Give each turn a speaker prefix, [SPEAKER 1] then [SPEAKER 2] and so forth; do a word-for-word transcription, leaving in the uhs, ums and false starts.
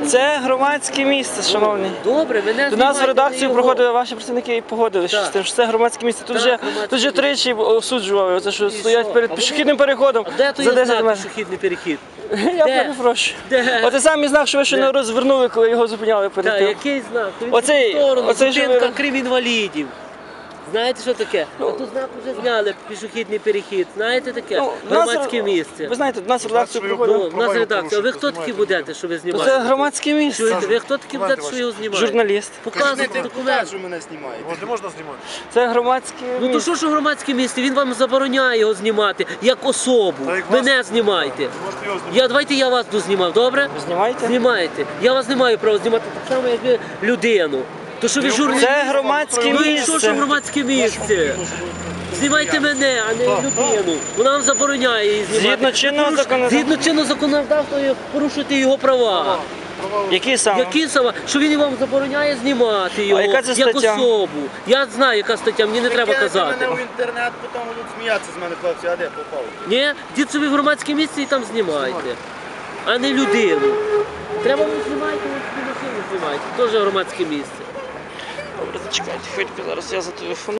[SPEAKER 1] Це громадське місце, шановні.
[SPEAKER 2] Добре, мене
[SPEAKER 1] До нас в редакцію
[SPEAKER 2] його.
[SPEAKER 1] проходили ваші працівники і погодилися з тим, що це громадське місце. Тут
[SPEAKER 2] Так,
[SPEAKER 1] же
[SPEAKER 2] громадське
[SPEAKER 1] тут же
[SPEAKER 2] місце.
[SPEAKER 1] тричі осуджували, це що стоять
[SPEAKER 2] що?
[SPEAKER 1] перед
[SPEAKER 2] А
[SPEAKER 1] пішохідним переходом
[SPEAKER 2] А де то
[SPEAKER 1] за
[SPEAKER 2] є
[SPEAKER 1] десять
[SPEAKER 2] знак
[SPEAKER 1] метрів.
[SPEAKER 2] пішохідний перехід?
[SPEAKER 1] Я
[SPEAKER 2] Де?
[SPEAKER 1] перепрошую.
[SPEAKER 2] Де?
[SPEAKER 1] Оце самий знак, що ви ще не розвернули, коли його зупиняли перед
[SPEAKER 2] Так,
[SPEAKER 1] тим.
[SPEAKER 2] який знак? Він
[SPEAKER 1] Оцей-
[SPEAKER 2] в сторону,
[SPEAKER 1] оцей, що
[SPEAKER 2] зупинка
[SPEAKER 1] ви-
[SPEAKER 2] крім інвалідів. Знаєте, що таке? А тут знак вже зняли, пішохідний перехід. Знаєте таке?
[SPEAKER 1] Ну, в нас-
[SPEAKER 2] Громадське місце.
[SPEAKER 1] Ви знаєте, до нас в редакцію
[SPEAKER 3] Значить,
[SPEAKER 1] проходили.
[SPEAKER 2] Ну, в нас редакція. А ви хто такі будете, що ви
[SPEAKER 1] То
[SPEAKER 2] знімаєте?
[SPEAKER 1] це громадське місце.
[SPEAKER 2] Чуєте, ви хто такі будете, що його знімаєте?
[SPEAKER 1] Журналіст.
[SPEAKER 2] Показуйте документ.
[SPEAKER 4] що мене знімаєте.
[SPEAKER 3] От не можна знімати.
[SPEAKER 1] Це громадське
[SPEAKER 2] Ну то
[SPEAKER 1] місце.
[SPEAKER 2] що ж громадське місце? Він вам забороняє його знімати як особу.
[SPEAKER 3] Та як вас-
[SPEAKER 2] Мене знімайте.
[SPEAKER 3] Можете його знімати.
[SPEAKER 2] Я, давайте я вас дознімав, добре?
[SPEAKER 1] Ви знімаєте?
[SPEAKER 2] Знімаєте. Я вас не маю права знімати так само, як ви людину. То що ви журналіст?
[SPEAKER 1] Це громадське
[SPEAKER 2] Ну і що ж
[SPEAKER 1] місце.
[SPEAKER 2] громадське місце? Знімайте мене, а не людину. Вона вам забороняє її знімати.
[SPEAKER 1] Згідно чинного
[SPEAKER 2] Поруш-
[SPEAKER 1] законодавства.
[SPEAKER 2] Згідно чинного законодавства ви порушуєте його права.
[SPEAKER 1] Які саме?
[SPEAKER 2] Які саме? Що він вам забороняє знімати його
[SPEAKER 1] А яка це
[SPEAKER 2] як
[SPEAKER 1] стаття?
[SPEAKER 2] особу. Я знаю, яка стаття, мені не треба
[SPEAKER 4] Кинете
[SPEAKER 2] казати.
[SPEAKER 4] мене в інтернет, потім будуть сміятися з мене, хлопці, а де попав?
[SPEAKER 2] Ні, дід собі в громадське місце і там знімайте, а не людину. Треба ви знімайте, ви собі машину знімайте, теж громадське місце.
[SPEAKER 1] Добре, зачекайте, хвильку, зараз я зателефоную.